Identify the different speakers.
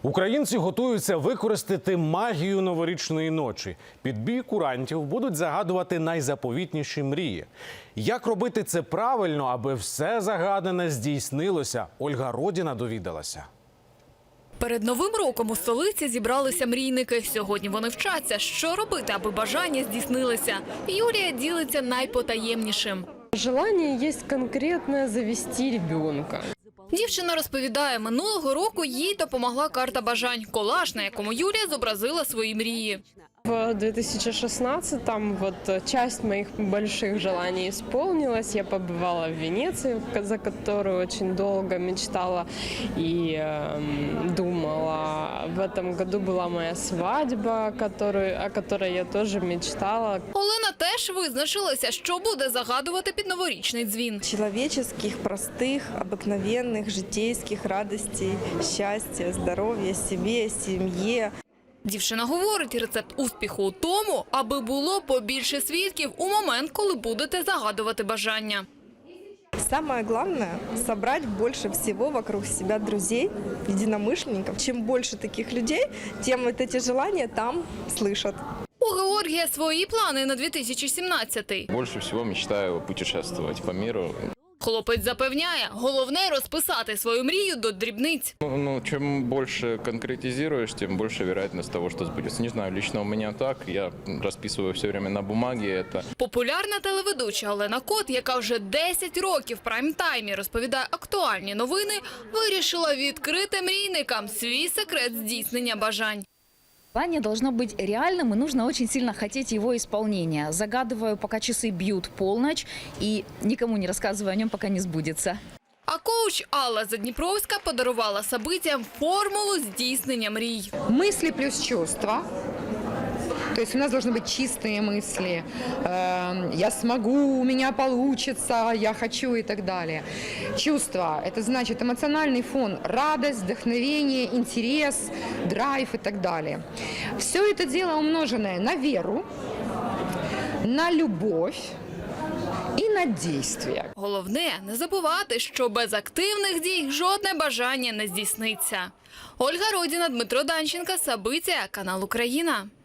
Speaker 1: Українці готуються використати магію новорічної ночі. Під бій курантів будуть загадувати найзаповітніші мрії. Як робити це правильно, аби все загадане здійснилося? Ольга Родіна довідалася.
Speaker 2: Перед Новим роком у столиці зібралися мрійники. Сьогодні вони вчаться, що робити, аби бажання здійснилися. Юлія ділиться найпотаємнішим.
Speaker 3: Желание есть конкретное завести ребенка.
Speaker 2: Дівчина розповідає, минулого року їй допомогла карта бажань – колаж, на якому Юлія зобразила свої мрії.
Speaker 3: В 2016-м часть моих больших желаний исполнилась. Я побывала в Венеции, за которую очень долго мечтала и думала. В этом году была моя свадьба, о которой я тоже мечтала.
Speaker 2: Олена теж визначилася, що буде загадувати під новорічний дзвін.
Speaker 4: Человеческих, простых, обыкновенных, житейских радостей, счастья, здоровья себе, семье.
Speaker 2: Дівчина говорить, рецепт успіху у тому, аби було побільше свідків у момент, коли будете загадувати бажання.
Speaker 4: Самое главное – собрать больше всего вокруг себя друзей, единомышленников. Чем больше таких людей, тем эти желания там слышат.
Speaker 2: У Георгія свої плани на 2017-й.
Speaker 5: Больше всего мечтаю путешествовать по миру.
Speaker 2: Хлопець запевняє, головне – розписати свою мрію до дрібниць.
Speaker 5: Чем больше конкретизируешь, тем больше вероятность того, что сбудется. Не знаю, лично у меня так. Я расписываю все время на бумаге это.
Speaker 2: Популярна телеведуча Олена Кот, яка вже 10 років в прайм-таймі розповідає актуальні новини, вирішила відкрити мрійникам свій секрет здійснення бажань.
Speaker 6: Желание должно быть реальным, и нужно очень сильно хотеть его исполнения. Загадываю, пока часы бьют полночь, и никому не рассказываю о нем, пока не сбудется.
Speaker 2: А коуч Алла Задніпровська подарувала событиям формулу здійснення мрій.
Speaker 7: Мысли плюс чувства. То есть у нас должны быть чистые мысли. Я смогу, у меня получится, я хочу и так далее. Чувства – это значит эмоциональный фон, радость, вдохновение, интерес, драйв и так далее. Все это дело умноженное на веру, на любовь і на дійствия.
Speaker 2: Головне – не забувати, що без активних дій жодне бажання не здійсниться. Ольга Родіна, Дмитро Данченко, Сабиття, канал Україна.